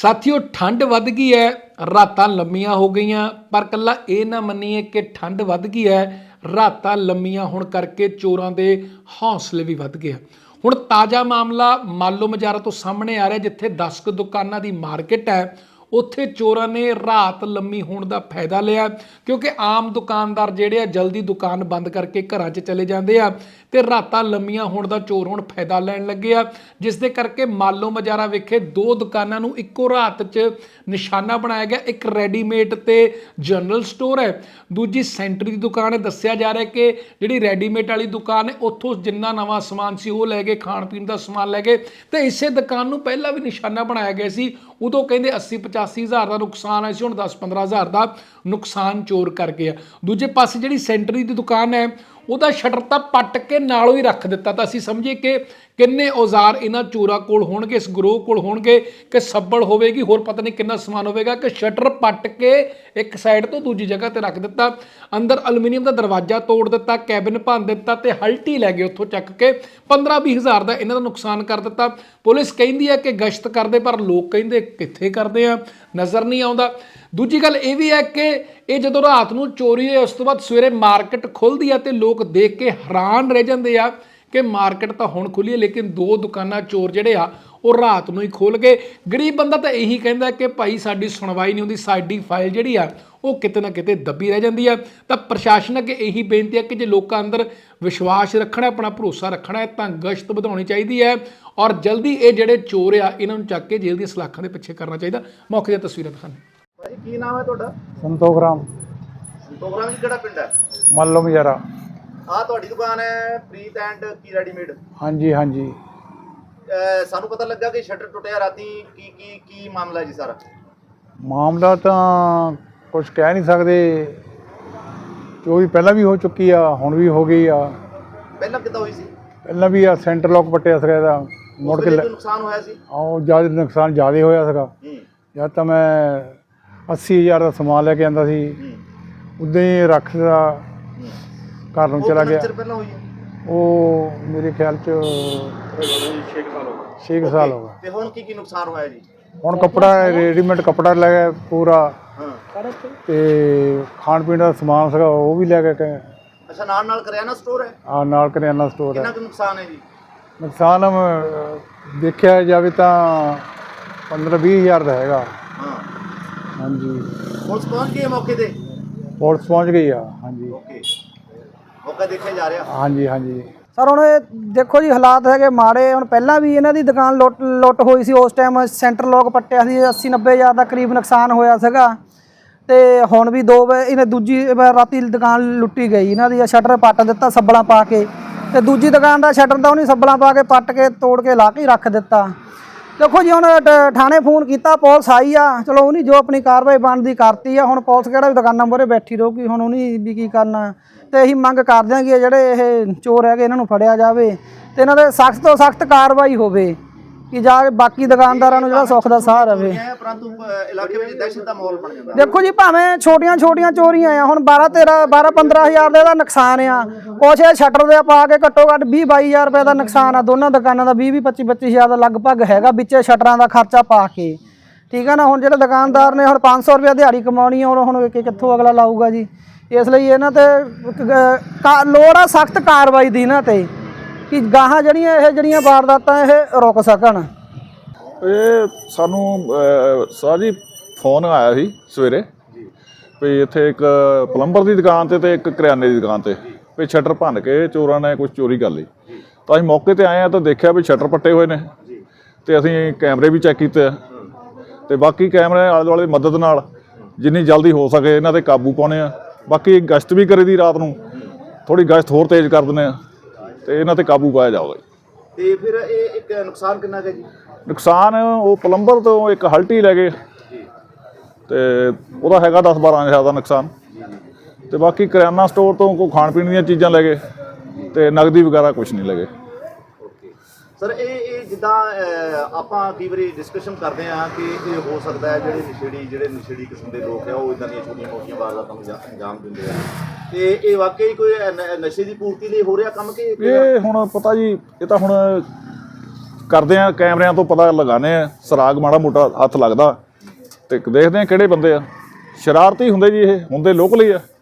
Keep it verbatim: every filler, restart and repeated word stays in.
ਸਾਥੀਓ ਠੰਡ ਵੱਧ ਗਈ ਹੈ, ਰਾਤਾਂ ਲੰਮੀਆਂ ਹੋ ਗਈਆਂ, ਪਰ ਕੱਲਾ ਇਹ ਨਾ ਮੰਨੀਏ ਕਿ ਠੰਡ ਵੱਧ ਗਈ ਹੈ, ਰਾਤਾਂ ਲੰਮੀਆਂ ਹੋਣ ਕਰਕੇ ਚੋਰਾਂ ਦੇ ਹੌਸਲੇ ਵੀ ਵੱਧ ਗਏ ਆ। ਹੁਣ ਤਾਜ਼ਾ ਮਾਮਲਾ ਮਾਲੋ ਮਜਾਰਾ ਤੋਂ ਸਾਹਮਣੇ ਆ ਰਿਹਾ, ਜਿੱਥੇ ਦਸ ਕੁ ਦੁਕਾਨਾਂ ਦੀ ਮਾਰਕੀਟ ਹੈ, ਉੱਥੇ ਚੋਰਾਂ ਨੇ ਰਾਤ ਲੰਮੀ ਹੋਣ ਦਾ ਫਾਇਦਾ ਲਿਆ, ਕਿਉਂਕਿ ਆਮ ਦੁਕਾਨਦਾਰ ਜਿਹੜੇ ਆ ਜਲਦੀ ਦੁਕਾਨ ਬੰਦ ਕਰਕੇ ਘਰਾਂ 'ਚ ਚਲੇ ਜਾਂਦੇ ਆ ਤੇ ਰਾਤਾਂ ਲੰਮੀਆਂ ਹੋਣ ਦਾ ਚੋਰ ਹੁਣ ਫਾਇਦਾ ਲੈਣ ਲੱਗੇ ਆ, ਜਿਸ ਦੇ ਕਰਕੇ ਮਾਲੋ ਮਜਾਰਾ ਵਿਖੇ ਦੋ ਦੁਕਾਨਾਂ ਨੂੰ ਇੱਕੋ ਰਾਤ 'ਚ ਨਿਸ਼ਾਨਾ ਬਣਾਇਆ ਗਿਆ। ਇੱਕ ਰੈਡੀਮੇਡ ਤੇ ਜਨਰਲ ਸਟੋਰ ਹੈ, ਦੂਜੀ ਸੈਂਟਰੀ ਦੀ ਦੁਕਾਨ ਹੈ। ਦੱਸਿਆ ਜਾ ਰਿਹਾ ਕਿ ਜਿਹੜੀ ਰੈਡੀਮੇਡ ਵਾਲੀ ਦੁਕਾਨ ਹੈ, ਉੱਥੋਂ ਜਿੰਨਾ ਨਵਾਂ ਸਮਾਨ ਸੀ ਉਹ ਲੈ ਗਏ, ਖਾਣ ਪੀਣ ਦਾ ਸਮਾਨ ਲੈ ਗਏ, ਤੇ ਇਸੇ ਦੁਕਾਨ ਨੂੰ ਪਹਿਲਾਂ ਵੀ ਨਿਸ਼ਾਨਾ ਬਣਾਇਆ ਗਿਆ ਸੀ। ਉਦੋਂ ਕਹਿੰਦੇ अस्सी पचासी हज़ार का नुकसान है, ਹੁਣ दस पंद्रह हज़ार का नुकसान चोर कर गया। दूजे पासे जी सेंटरी की दुकान है, ਉਹਦਾ ਸ਼ਟਰ ਤਾਂ ਪੱਟ ਕੇ ਨਾਲੋਂ ਹੀ ਰੱਖ ਦਿੱਤਾ। ਤਾਂ ਅਸੀਂ ਸਮਝੇ ਕਿ ਕਿੰਨੇ ਔਜ਼ਾਰ ਇਹਨਾਂ ਚੋਰਾਂ ਕੋਲ ਹੋਣਗੇ, ਇਸ ਗਰੋਹ ਕੋਲ ਹੋਣਗੇ, ਕਿ ਸੱਬਲ ਹੋਵੇਗੀ, ਹੋਰ ਪਤਾ ਨਹੀਂ ਕਿੰਨਾ ਸਮਾਨ ਹੋਵੇਗਾ, ਕਿ ਸ਼ਟਰ ਪੱਟ ਕੇ ਇੱਕ ਸਾਈਡ ਤੋਂ ਦੂਜੀ ਜਗ੍ਹਾ ਤੇ ਰੱਖ ਦਿੱਤਾ। ਅੰਦਰ ਐਲੂਮੀਨੀਅਮ ਦਾ ਦਰਵਾਜ਼ਾ ਤੋੜ ਦਿੱਤਾ, ਕੈਬਿਨ ਭੰਨ ਦਿੱਤਾ ਤੇ ਹਲਟੀ ਲੈ ਗਏ ਉੱਥੋਂ ਚੱਕ ਕੇ। ਪੰਦਰਾਂ ਵੀਹ ਹਜ਼ਾਰ ਦਾ ਇਹਨਾਂ ਦਾ ਨੁਕਸਾਨ ਕਰ ਦਿੱਤਾ। ਪੁਲਿਸ ਕਹਿੰਦੀ ਹੈ ਕਿ ਗਸ਼ਤ ਕਰਦੇ, ਪਰ ਲੋਕ ਕਹਿੰਦੇ ਕਿੱਥੇ ਕਰਦੇ ਆ, ਨਜ਼ਰ ਨਹੀਂ ਆਉਂਦਾ। ਦੂਜੀ ਗੱਲ ਇਹ ਵੀ ਹੈ ਕਿ ਇਹ ਜਦੋਂ ਰਾਤ ਨੂੰ ਚੋਰੀ ਹੋਈ, ਉਸ ਤੋਂ ਬਾਅਦ ਸਵੇਰੇ ਮਾਰਕੀਟ ਖੁੱਲ੍ਹਦੀ ਆ ਤੇ ਲੋਕ ਦੇਖ ਕੇ ਹੈਰਾਨ ਰਹਿ ਜਾਂਦੇ ਆ ਕਿ ਮਾਰਕੀਟ ਤਾਂ ਹੁਣ ਖੁੱਲ੍ਹੀ ਹੈ, ਲੇਕਿਨ ਦੋ ਦੁਕਾਨਾਂ ਚੋਰ ਜਿਹੜੇ ਆ ਉਹ ਰਾਤ ਨੂੰ ਹੀ ਖੋਲ੍ਹ ਗਏ। ਗਰੀਬ ਬੰਦਾ ਤਾਂ ਇਹੀ ਕਹਿੰਦਾ ਕਿ ਭਾਈ ਸਾਡੀ ਸੁਣਵਾਈ ਨਹੀਂ ਹੁੰਦੀ, ਸਾਡੀ ਫਾਈਲ ਜਿਹੜੀ ਆ ਉਹ ਕਿਤੇ ਨਾ ਕਿਤੇ ਦੱਬੀ ਰਹਿ ਜਾਂਦੀ ਆ। ਤਾਂ ਪ੍ਰਸ਼ਾਸਨ ਅੱਗੇ ਇਹੀ ਬੇਨਤੀ ਹੈ ਕਿ ਜੇ ਲੋਕਾਂ ਅੰਦਰ ਵਿਸ਼ਵਾਸ ਰੱਖਣਾ, ਆਪਣਾ ਭਰੋਸਾ ਰੱਖਣਾ ਹੈ, ਤਾਂ ਗਸ਼ਤ ਵਧਾਉਣੀ ਚਾਹੀਦੀ ਹੈ ਔਰ ਜਲਦੀ ਇਹ ਜਿਹੜੇ ਚੋਰ ਆ ਇਹਨਾਂ ਨੂੰ ਚੱਕ ਕੇ ਜੇਲ੍ਹ ਦੀਆਂ ਸਲਾਖਾਂ ਦੇ ਪਿੱਛੇ ਕਰਨਾ ਚਾਹੀਦਾ। ਮੌਕੇ ਦੀਆਂ ਤਸਵੀਰਾਂ ਦਿਖਾਉਂਦੇ। ਭਾਈ ਕੀ ਨਾਮ ਹੈ ਤੁਹਾਡਾ? ਸੰਤੋਖ ਰਾਮ। ਸੰਤੋਖ ਰਾਮ ਜੀ, ਕਿਹੜਾ ਪਿੰਡ ਹੈ? ਮਾਲੋ ਮਜਾਰਾ। ਆਹ ਤੁਹਾਡੀ ਦੁਕਾਨ ਹੈ ਪ੍ਰੀਤ ਐਂਡ ਕੀ ਰੈਡੀਮੇਡ? ਹਾਂਜੀ ਹਾਂਜੀ। ਸਾਨੂੰ ਪਤਾ ਲੱਗਾ ਕਿ ਸ਼ਟਰ ਟੁੱਟਿਆ ਰਾਤੀ, ਕੀ ਕੀ ਕੀ ਮਾਮਲਾ ਜੀ ਸਾਰਾ? ਮਾਮਲਾ ਤਾਂ ਕੁਝ ਕਹਿ ਨਹੀਂ ਸਕਦੇ, ਚੋਰੀ ਪਹਿਲਾਂ ਵੀ ਹੋ ਚੁੱਕੀ ਆ, ਹੁਣ ਵੀ ਹੋ ਗਈ ਆ। ਪਹਿਲਾਂ ਕਿੱਦਾਂ ਹੋਈ ਸੀ? ਪਹਿਲਾਂ ਵੀ ਆ ਸੈਂਟਰ ਲੋਕ ਪੱਟਿਆ ਸੀਗਾ ਇਹਦਾ, ਮੁੜ ਕੇ ਕੋਈ ਨੁਕਸਾਨ ਹੋਇਆ ਸੀ? ਉਹ ਜ਼ਿਆਦਾ ਨੁਕਸਾਨ ਜ਼ਿਆਦਾ ਹੋਇਆ ਸੀਗਾ। ਜਦ ਤਾਂ ਮੈਂ ਅੱਸੀ ਹਜ਼ਾਰ ਦਾ ਸਮਾਨ ਲੈ ਕੇ ਆਂਦਾ ਸੀ, ਉੱਦਾਂ ਹੀ ਰੱਖਦਾ ਘਰ ਨੂੰ ਚਲਾ ਗਿਆ। ਪਹਿਲਾਂ ਹੋਈ ਹੈ ਉਹ ਮੇਰੇ ਖਿਆਲ 'ਚ ਛੇ ਕੁ ਸਾਲ ਹੋ ਗਏ। ਤੇ ਹੁਣ ਕੀ ਕੀ ਨੁਕਸਾਨ ਹੋਇਆ ਜੀ? ਹੁਣ ਕੱਪੜਾ ਰੈਡੀਮੇਡ ਕੱਪੜਾ ਲੈ ਗਏ ਪੂਰਾ, ਤੇ ਖਾਣ ਪੀਣ ਦਾ ਸਮਾਨ ਸੀਗਾ ਉਹ ਵੀ ਲੈ ਕੇ ਗਏ। ਅੱਛਾ, ਨਾਲ ਨਾਲ ਕਰਿਆਨਾ ਸਟੋਰ ਹੈ? ਆ ਨਾਲ ਕਰਿਆਨਾ ਸਟੋਰ ਹੈ। ਕਿੰਨਾ ਕੁ ਨੁਕਸਾਨ ਹੈ ਜੀ? ਨੁਕਸਾਨ ਦੇਖਿਆ ਜਾਵੇ ਤਾਂ ਪੰਦਰਾਂ ਵੀਹ ਹਜ਼ਾਰ ਦਾ ਹੈਗਾ। ਹਾਂ ਹਾਂਜੀ। ਪੁਲਿਸ ਪਹੁੰਚ ਗਈ ਹੈ ਮੌਕੇ ਤੇ? ਪੁਲਿਸ ਪਹੁੰਚ ਗਈ ਆ। ਹਾਂਜੀ ਓਕੇ, ਮੌਕਾ ਦੇਖਿਆ ਜਾ ਰਿਹਾ? ਹਾਂਜੀ ਹਾਂਜੀ। ਸਰ ਹੁਣ ਇਹ ਦੇਖੋ ਜੀ, ਹਾਲਾਤ ਹੈਗੇ ਮਾੜੇ। ਹੁਣ ਪਹਿਲਾਂ ਵੀ ਇਹਨਾਂ ਦੀ ਦੁਕਾਨ ਲੁੱਟ ਲੁੱਟ ਹੋਈ ਸੀ, ਉਸ ਟਾਈਮ ਸੈਂਟਰ ਲੋਕ ਪੱਟਿਆ ਸੀ, ਅੱਸੀ ਨੱਬੇ ਹਜ਼ਾਰ ਦਾ ਕਰੀਬ ਨੁਕਸਾਨ ਹੋਇਆ ਸੀਗਾ। ਤੇ ਹੁਣ ਵੀ ਦੋ ਵਾਰ ਇਹਨੇ ਦੂਜੀ ਵਾਰ ਰਾਤੀ ਦੁਕਾਨ ਲੁੱਟੀ ਗਈ ਇਹਨਾਂ ਦੀ, ਸ਼ਟਰ ਪੱਟ ਦਿੱਤਾ ਸੱਬਲਾਂ ਪਾ ਕੇ, ਤੇ ਦੂਜੀ ਦੁਕਾਨ ਦਾ ਸ਼ਟਰ ਦਾ ਉਹਨੇ ਸੱਬਲਾਂ ਪਾ ਕੇ ਪੱਟ ਕੇ ਤੋੜ ਕੇ ਲਾ ਕੇ ਰੱਖ ਦਿੱਤਾ। ਦੇਖੋ ਜੀ, ਹੁਣ ਥਾਣੇ ਫੋਨ ਕੀਤਾ, ਪੁਲਿਸ ਆਈ ਆ, ਚਲੋ ਉਹਨੇ ਜੋ ਆਪਣੀ ਕਾਰਵਾਈ ਬਣਦੀ ਕਰਤੀ ਆ। ਹੁਣ ਪੁਲਿਸ ਕਿਹੜਾ ਵੀ ਦੁਕਾਨਾਂ ਮੂਹਰੇ ਬੈਠੀ ਰਹੂਗੀ, ਹੁਣ ਉਹਨੇ ਵੀ ਕੀ ਕਰਨਾ। ਤੇ ਇਹੀ ਮੰਗ ਕਰਦੇ ਹਾਂ ਕਿ ਜਿਹੜੇ ਇਹ ਚੋਰ ਹੈਗੇ ਇਹਨਾਂ ਨੂੰ ਫੜਿਆ ਜਾਵੇ ਤੇ ਇਹਨਾਂ ਦੇ ਸਖਤ ਤੋਂ ਸਖਤ ਕਾਰਵਾਈ ਹੋਵੇ, ਕਿ ਜਾ ਕੇ ਬਾਕੀ ਦੁਕਾਨਦਾਰਾਂ ਨੂੰ ਜਿਹੜਾ ਸੁੱਖ ਦਾ ਸਾਹ ਰਵੇ। ਪਰੰਤੂ ਇਲਾਕੇ ਵਿੱਚ ਦਹਿਸ਼ਤ ਦਾ ਮਾਹੌਲ ਬਣ ਜਾਂਦਾ। ਦੇਖੋ ਜੀ, ਭਾਵੇਂ ਛੋਟੀਆਂ ਛੋਟੀਆਂ ਚੋਰੀਆਂ ਆ, ਹੁਣ ਬਾਰਾਂ ਤੇਰਾਂ ਬਾਰਾਂ ਪੰਦਰਾਂ ਹਜ਼ਾਰ ਦਾ ਇਹਦਾ ਨੁਕਸਾਨ ਆ। ਕੁਛ ਇਹ ਸ਼ਟਰ ਦੇ ਪਾ ਕੇ ਘੱਟੋ ਘੱਟ ਵੀਹ ਬਾਈ ਹਜ਼ਾਰ ਰੁਪਏ ਦਾ ਨੁਕਸਾਨ ਆ। ਦੋਨਾਂ ਦੁਕਾਨਾਂ ਦਾ ਵੀਹ ਵੀਹ ਪੱਚੀ ਪੱਚੀ ਹਜ਼ਾਰ ਦਾ ਲਗਭਗ ਹੈਗਾ, ਵਿੱਚੇ ਸ਼ਟਰਾਂ ਦਾ ਖਰਚਾ ਪਾ ਕੇ। ਠੀਕ ਹੈ ਨਾ। ਹੁਣ ਜਿਹੜੇ ਦੁਕਾਨਦਾਰ ਨੇ ਹੁਣ ਪੰਜ ਸੌ ਰੁਪਏ ਦਿਹਾੜੀ ਕਮਾਉਣੀ ਆ, ਹੁਣ ਕਿੱਥੋਂ ਅਗਲਾ ਲਾਊਗਾ ਜੀ। ਇਸ ਲਈ ਇਹਨਾਂ ਤੇ ਲੋੜ ਆ ਸਖਤ ਕਾਰਵਾਈ ਦੀ ਇਹਨਾਂ ਤੇ, ਕਿ ਗਾਹਾਂ ਜਿਹੜੀਆਂ ਇਹ ਜਿਹੜੀਆਂ ਵਾਰਦਾਤਾਂ ਇਹ ਰੁਕ ਸਕਣ। ਇਹ ਸਾਨੂੰ ਸਾਰੀ ਫੋਨ ਆਇਆ ਸੀ ਸਵੇਰੇ ਵੀ ਇੱਥੇ ਇੱਕ ਪਲੰਬਰ ਦੀ ਦੁਕਾਨ 'ਤੇ ਅਤੇ ਇੱਕ ਕਰਿਆਨੇ ਦੀ ਦੁਕਾਨ 'ਤੇ ਵੀ ਸ਼ਟਰ ਭੰਨ ਕੇ ਚੋਰਾਂ ਨੇ ਕੁਛ ਚੋਰੀ ਕਰ ਲਈ। ਤਾਂ ਅਸੀਂ ਮੌਕੇ 'ਤੇ ਆਏ ਹਾਂ ਤਾਂ ਦੇਖਿਆ ਵੀ ਸ਼ਟਰ ਪੱਟੇ ਹੋਏ ਨੇ, ਅਤੇ ਅਸੀਂ ਕੈਮਰੇ ਵੀ ਚੈੱਕ ਕੀਤੇ ਆ, ਅਤੇ ਬਾਕੀ ਕੈਮਰੇ ਆਲੇ ਦੁਆਲੇ ਦੀ ਮਦਦ ਨਾਲ ਜਿੰਨੀ ਜਲਦੀ ਹੋ ਸਕੇ ਇਹਨਾਂ 'ਤੇ ਕਾਬੂ ਪਾਉਂਦੇ ਆ। ਬਾਕੀ ਗਸ਼ਤ ਵੀ ਕਰੀ ਦੀ ਰਾਤ ਨੂੰ, ਥੋੜ੍ਹੀ ਗਸ਼ਤ ਹੋਰ ਤੇਜ਼ ਕਰ ਦਿੰਦੇ ਆ ਅਤੇ ਇਹਨਾਂ 'ਤੇ ਕਾਬੂ ਪਾਇਆ ਜਾਊਗਾ। ਤੇ ਫਿਰ ਇਹ ਇੱਕ ਨੁਕਸਾਨ ਕਿੰਨਾ ਕੁ ਜੀ? ਨੁਕਸਾਨ ਉਹ ਪਲੰਬਰ ਤੋਂ ਇੱਕ ਹਲਟੀ ਲੈ ਗਏ, ਅਤੇ ਉਹਦਾ ਹੈਗਾ ਦਸ ਬਾਰਾਂ ਹਜ਼ਾਰ ਦਾ ਨੁਕਸਾਨ, ਅਤੇ ਬਾਕੀ ਕਰਿਆਨਾ ਸਟੋਰ ਤੋਂ ਕੋਈ ਖਾਣ ਪੀਣ ਦੀਆਂ ਚੀਜ਼ਾਂ ਲੈ ਗਏ, ਅਤੇ ਨਗਦੀ ਵਗੈਰਾ ਕੁਛ ਨਹੀਂ ਲੈ ਗਏ। ਸਰ ਇਹ ਇਹ ਜਿੱਦਾਂ ਆਪਾਂ ਕਈ ਵਾਰੀ ਡਿਸਕਸ਼ਨ ਕਰਦੇ ਹਾਂ ਕਿ ਇਹ ਹੋ ਸਕਦਾ ਹੈ ਜਿਹੜੇ ਨਸ਼ੇੜੀ ਜਿਹੜੇ ਨਸ਼ੇੜੀ ਕਿਸਮ ਦੇ ਲੋਕ ਆ ਉਹ ਇੱਦਾਂ ਦੀਆਂ ਛੋਟੀਆਂ ਮੋਟੀਆਂ ਵਾਰਦਾਤਾਂ ਨੂੰ ਅੰਜਾਮ ਦਿੰਦੇ ਆ, ਤੇ ਇਹ ਵਾਕਈ ਕੋਈ ਨਸ਼ੇ ਦੀ ਪੂਰਤੀ ਲਈ ਹੋ ਰਿਹਾ ਕੰਮ ਕਿ ਇਹ ਹੁਣ ਪਤਾ ਜੀ, ਇਹ ਤਾਂ ਹੁਣ ਕਰਦੇ ਆ, ਕੈਮਰਿਆਂ ਤੋਂ ਪਤਾ ਲਗਾਉਂਦੇ ਆ, ਸੁਰਾਗ ਮਾੜਾ ਮੋਟਾ ਹੱਥ ਲੱਗਦਾ ਤੇ ਦੇਖਦੇ ਆ ਕਿਹੜੇ ਬੰਦੇ ਆ। ਸ਼ਰਾਰਤੀ ਹੁੰਦੇ ਜੀ, ਇਹ ਹੁੰਦੇ ਲੋਕਲ ਹੀ ਆ।